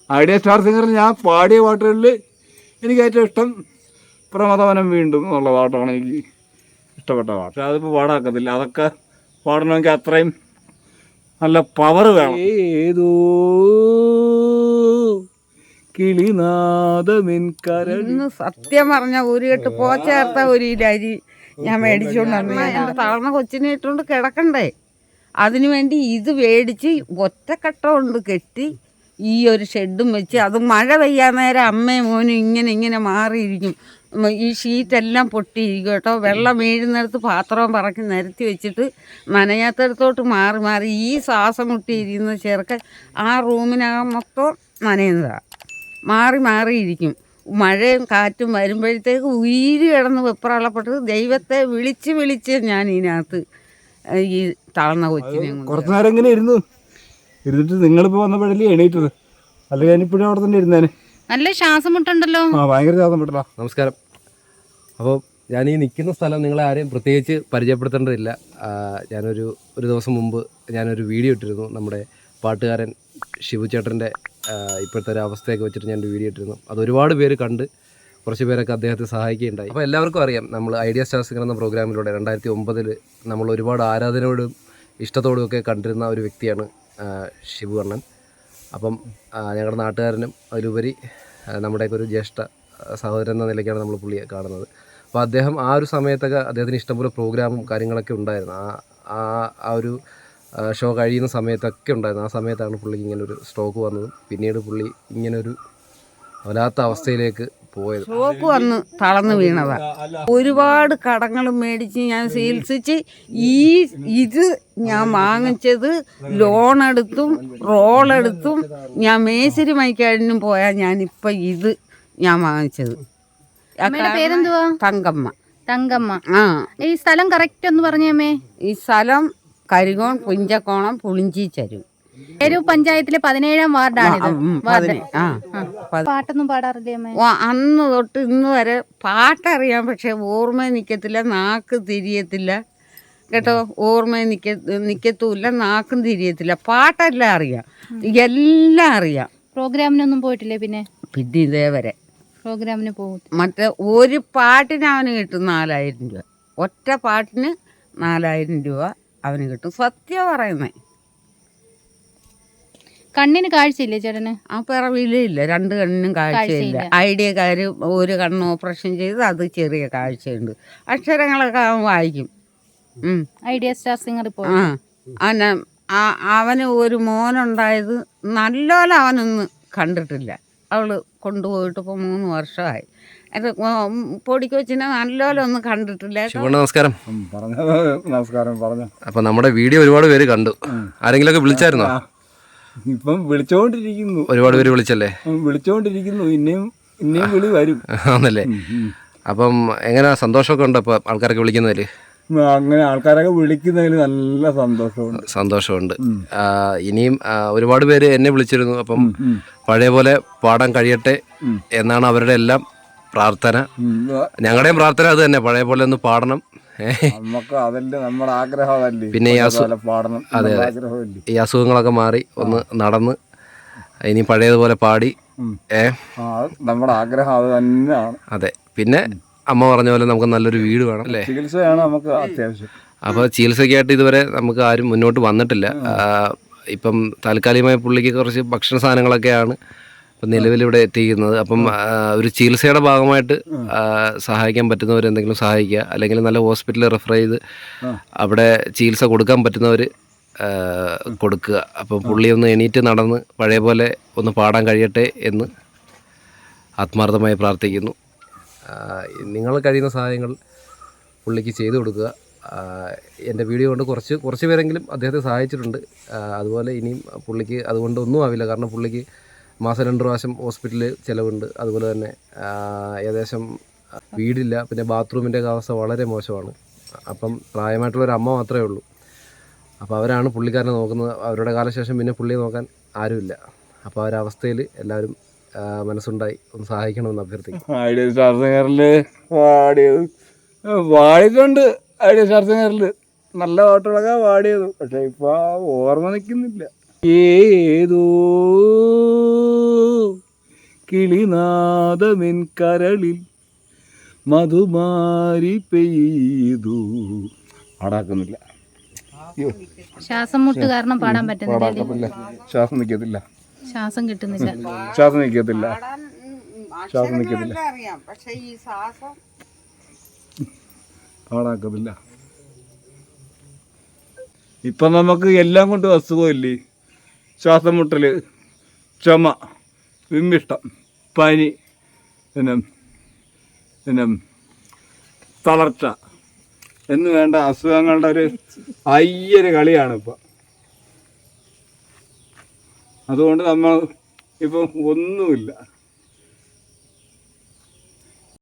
Idea star സിംഗറിൽ ഞാൻ പാടിയ പാട്ടുകളിൽ എനിക്ക് ഏറ്റവും ഇഷ്ടം പ്രമദവനം വീണ്ടും എന്നുള്ള പാട്ടാണ് എനിക്ക് ഇഷ്ടപ്പെട്ട പാട്ട്. പക്ഷെ അതിപ്പോൾ പാടാക്കത്തില്ല. അതൊക്കെ പാടണമെങ്കിൽ അത്രയും നല്ല പവർ വേണം. ഏതോ കിളിനാദമെൻകരന്ന് സത്യം പറഞ്ഞ ഒരു കെട്ട് പോച്ചേർത്ത ഒരു അരി ഞാൻ മേടിച്ചുകൊണ്ട് എൻ്റെ തളർന്ന കൊച്ചിനെ ഇട്ടുകൊണ്ട് കിടക്കണ്ടേ, അതിനു വേണ്ടി ഇത് മേടിച്ച് ഒറ്റക്കട്ട കൊണ്ട് കെട്ടി ഈ ഒരു ഷെഡും വെച്ച്, അത് മഴ പെയ്യാൻ നേരം അമ്മയും മോനും ഇങ്ങനെ മാറിയിരിക്കും. ഈ ഷീറ്റെല്ലാം പൊട്ടിയിരിക്കും കേട്ടോ. വെള്ളം വീഴുന്നിടത്ത് പാത്രവും പറക്കി നിരത്തി വെച്ചിട്ട് നനയാത്തടത്തോട്ട് മാറി ഈ ശ്വാസം മുട്ടിയിരിക്കുന്ന ചെറുക്കൻ ആ റൂമിനകം മൊത്തം നനയുന്നതാണ്. മാറിയിരിക്കും. മഴയും കാറ്റും വരുമ്പോഴത്തേക്ക് ഉയിര് കിടന്ന് വെപ്രാളപ്പെട്ട് ദൈവത്തെ വിളിച്ച് ഞാൻ ഇതിനകത്ത് ഈ തളർന്ന കൊച്ചിനെ കുറച്ച് നേരം ഇങ്ങനെ ഇരുന്നിട്ട് നിങ്ങളിപ്പോൾ വന്നപ്പോഴല്ലേ എണീറ്റത്, അല്ലെങ്കിൽ ഞാനിപ്പോഴും അവിടെ തന്നെ ഇരുന്നേനെ. നല്ല ശ്വാസം മുട്ടുണ്ടല്ലോ. ഭയങ്കര ശ്വാസം മുട്ടലാ. നമസ്കാരം. അപ്പോൾ ഞാൻ ഈ നിൽക്കുന്ന സ്ഥലം നിങ്ങളെ ആരെയും പ്രത്യേകിച്ച് പരിചയപ്പെടുത്തേണ്ടതില്ല. ഒരു ദിവസം മുമ്പ് ഞാനൊരു വീഡിയോ ഇട്ടിരുന്നു. നമ്മുടെ പാട്ടുകാരൻ ഷിബു ചേട്ടൻ്റെ ഇപ്പോഴത്തെ ഒരു അവസ്ഥയൊക്കെ വെച്ചിട്ട് ഞാനൊരു വീഡിയോ ഇട്ടിരുന്നു. അത് ഒരുപാട് പേര് കണ്ട് കുറച്ച് പേരൊക്കെ അദ്ദേഹത്തെ സഹായിക്കുകയുണ്ടായി. അപ്പോൾ എല്ലാവർക്കും അറിയാം, നമ്മൾ ഐഡിയ സ്റ്റാർ സിംഗർ എന്ന പ്രോഗ്രാമിലൂടെ 2009 നമ്മൾ ഒരുപാട് ആരാധനയോടും ഇഷ്ടത്തോടും ഒക്കെ കണ്ടിരുന്ന ഒരു വ്യക്തിയാണ് ഷിബു അണ്ണൻ. അപ്പം ഞങ്ങളുടെ നാട്ടുകാരനും അതിലുപരി നമ്മുടെയൊക്കെ ഒരു ജ്യേഷ്ഠ സഹോദരൻ എന്ന നിലയ്ക്കാണ് നമ്മൾ പുള്ളിയെ കാണുന്നത്. അപ്പോൾ അദ്ദേഹം ആ ഒരു സമയത്തൊക്കെ അദ്ദേഹത്തിന് ഇഷ്ടംപോലെ പ്രോഗ്രാമും കാര്യങ്ങളൊക്കെ ഉണ്ടായിരുന്നു. ആ ഒരു ഷോ കഴിയുന്ന സമയത്തൊക്കെ ഉണ്ടായിരുന്നു. ആ സമയത്താണ് പുള്ളിക്ക് ഇങ്ങനൊരു സ്ട്രോക്ക് വന്നതും പിന്നീട് പുള്ളി ഇങ്ങനൊരു വല്ലാത്ത അവസ്ഥയിലേക്ക് പോയത്. സ്ട്രോക്ക് വന്ന് തളർന്നു വീണതാണ്. ഒരുപാട് കടങ്ങളും മേടിച്ച് ഞാൻ ചികിത്സിച്ച് ഇത് ഞാൻ വാങ്ങിച്ചത് ലോണെടുത്തും റോളെടുത്തും ഞാൻ മേശരി മൈക്കാടിനും പോയാൽ ഞാനിപ്പോൾ ഇത് ഞാൻ വാങ്ങിച്ചത്. പേരെന്തുവാ? തങ്കമ്മ. ഈ സ്ഥലം കറക്റ്റ് ഒന്ന് പറഞ്ഞേ. ഈ സ്ഥലം കരികോൺ പുഞ്ചക്കോണം പുളിഞ്ചി ചരു പഞ്ചായത്തിലെ 17-ാം വാർഡാണ്. പാട്ടൊന്നും പാടാറില്ലേ അമ്മേ? അന്ന് തൊട്ട് ഇന്ന് വരെ പാട്ടറിയാം, പക്ഷെ ഓർമ്മ നിൽക്കത്തില്ല, നാക്ക് തിരിയത്തില്ല കേട്ടോ. ഓർമ്മ നിൽക്കത്തുമില്ല, നാക്കും തിരിയത്തില്ല. പാട്ടെല്ലാം അറിയാം, എല്ലാം അറിയാം. പ്രോഗ്രാമിനൊന്നും പോയിട്ടില്ലേ? പിന്നെ ഇതേവരെ പ്രോഗ്രാമിന് പോകും. മറ്റേ ഒരു പാട്ടിന് അവന് കിട്ടും 4000 രൂപ. ഒറ്റ പാട്ടിന് 4000 രൂപ അവന് കിട്ടും. സത്യം പറയുന്നേ. കണ്ണിന് കാഴ്ചയില്ലേ ചേട്ടന്? ആ പിറവിയിലില്ല, 2 കണ്ണിനും കാഴ്ചയില്ല. ഐഡിയക്കാർ ഒരു കണ്ണ് ഓപ്പറേഷൻ ചെയ്ത് അത് ചെറിയ കാഴ്ചയുണ്ട്. അക്ഷരങ്ങളൊക്കെ അവൻ വായിക്കും. ഐഡിയ സ്റ്റാർ സിംഗർ ഇപ്പോൾ അവന് ഒരു മോനുണ്ടായത് നല്ലോണം അവനൊന്നും കണ്ടിട്ടില്ല. അവൾ കൊണ്ടുപോയിട്ട് ഇപ്പോൾ 3 വർഷമായി. പൊടിക്കൊച്ചിനെ നല്ലോണം ഒന്നും കണ്ടിട്ടില്ല. നമസ്കാരം. പറഞ്ഞു. അപ്പൊ നമ്മുടെ വീഡിയോ ഒരുപാട് പേര് കണ്ടു. ആരെങ്കിലുമൊക്കെ വിളിച്ചായിരുന്നോ? ഇപ്പം വിളിച്ചോണ്ടിരിക്കുന്നു. ഒരുപാട് പേര് വിളിച്ചല്ലേ? വിളിച്ചോണ്ടിരിക്കുന്നു. ഇനിയും വിളി വരും. ആണല്ലേ? അപ്പം എങ്ങനെയാ, സന്തോഷമൊക്കെ ഉണ്ടോ ഇപ്പൊ ആൾക്കാരൊക്കെ വിളിക്കുന്നതിൽ? അങ്ങനെ ആൾക്കാരൊക്കെ വിളിക്കുന്നതിൽ നല്ല സന്തോഷമുണ്ട്. ഇനിയും ഒരുപാട് പേര് എന്നെ വിളിച്ചിരുന്നു. അപ്പം പഴയ പോലെ പാടാൻ കഴിയട്ടെ എന്നാണ് അവരുടെ എല്ലാം പ്രാർത്ഥന. ഞങ്ങളുടെയും പ്രാർത്ഥന അത് തന്നെ, പഴയ പോലെ ഒന്ന് പാടണം. നമ്മുടെ ആഗ്രഹമല്ലേ. പിന്നെ അതെ ഈ അസുഖങ്ങളൊക്കെ മാറി ഒന്ന് നടന്ന് ഇനി പഴയതുപോലെ പാടി നമ്മുടെ ആഗ്രഹം അത് തന്നെയാണ്. അതെ. പിന്നെ അമ്മ പറഞ്ഞ പോലെ നമുക്ക് നല്ലൊരു വീട് വേണം അല്ലേ? ചികിത്സയാണ് നമുക്ക് അത്യാവശ്യം. അപ്പോൾ ചികിത്സയ്ക്കായിട്ട് ഇതുവരെ നമുക്ക് ആരും മുന്നോട്ട് വന്നിട്ടില്ല. ഇപ്പം താൽക്കാലികമായി പുള്ളിക്ക് കുറച്ച് ഭക്ഷണ സാധനങ്ങളൊക്കെയാണ് ഇപ്പം നിലവിലിവിടെ എത്തിക്കുന്നത്. അപ്പം ഒരു ചികിത്സയുടെ ഭാഗമായിട്ട് സഹായിക്കാൻ പറ്റുന്നവർ എന്തെങ്കിലും സഹായിക്കുക, അല്ലെങ്കിൽ നല്ല ഹോസ്പിറ്റലിൽ റെഫർ ചെയ്ത് അവിടെ ചികിത്സ കൊടുക്കാൻ പറ്റുന്നവർ കൊടുക്കുക. അപ്പം പുള്ളി ഒന്ന് എണീറ്റ് നടന്ന് പഴയ പോലെ ഒന്ന് പാടാൻ കഴിയട്ടെ എന്ന് ആത്മാർത്ഥമായി പ്രാർത്ഥിക്കുന്നു. നിങ്ങൾ കഴിയുന്ന സഹായങ്ങൾ പുള്ളിക്ക് ചെയ്തു കൊടുക്കുക. എൻ്റെ വീഡിയോ കൊണ്ട് കുറച്ച് പേരെങ്കിലും അദ്ദേഹത്തെ സഹായിച്ചിട്ടുണ്ട്. അതുപോലെ ഇനിയും പുള്ളിക്ക് അതുകൊണ്ട് ഒന്നും ആവില്ല. കാരണം പുള്ളിക്ക് മാസം 2 പ്രാവശ്യം ഹോസ്പിറ്റലിൽ ചിലവുണ്ട്. അതുപോലെ തന്നെ ഏകദേശം വീടില്ല, പിന്നെ ബാത്റൂമിൻ്റെ അവസ്ഥ വളരെ മോശമാണ്. അപ്പം പ്രായമായിട്ടുള്ളൊരു അമ്മ മാത്രമേ ഉള്ളൂ. അപ്പോൾ അവരാണ് പുള്ളിക്കാരനെ നോക്കുന്നത്. അവരുടെ കാലശേഷം പിന്നെ പുള്ളിയെ നോക്കാൻ ആരുമില്ല. അപ്പോൾ ആ ഒരു അവസ്ഥയിൽ എല്ലാവരും മനസ്സുണ്ടായി ഒന്ന് സഹായിക്കണമെന്ന് അഭ്യർത്ഥിക്കും. ഐഡിയ സ്റ്റാർ സിംഗറിൽ പാടിയിട്ടുണ്ട്. ഐഡിയ സ്റ്റാർ സിംഗറിൽ നല്ല പാട്ടുകളൊക്കെ പാടിയത്, പക്ഷെ ഇപ്പോൾ ഓർമ്മ നിൽക്കുന്നില്ല. ഏതോ കിളിനാദമെൻ കരളിൽ മധുമാരി പെയ്തു. പാടാക്കുന്നില്ല. അയ്യോ, ശ്വാസം മുട്ട് കാരണം പാടാൻ പറ്റുന്നില്ല. പാടാക്കത്തില്ല. ശ്വാസം നിൽക്കത്തില്ല. ശ്വാസം കിട്ടുന്നില്ല. ശ്വാസം നിൽക്കത്തില്ല. ശ്വാസം നിൽക്കത്തില്ല. അറിയാം, പക്ഷെ ഈ ശ്വാസം പാടാക്കത്തില്ല. ഇപ്പം നമുക്ക് എല്ലാം കൊണ്ട് അസുഖമില്ലേ? ശ്വാസം മുട്ടൽ, ചുമ, വിമ്മിഷ്ടം, പനി, പിന്നെ തളർച്ച എന്ന് വേണ്ട അസുഖങ്ങളുടെ ഒരു അയ്യൊരു കളിയാണ് ഇപ്പം. അതുകൊണ്ട് നമ്മൾ ഇപ്പം ഒന്നുമില്ല.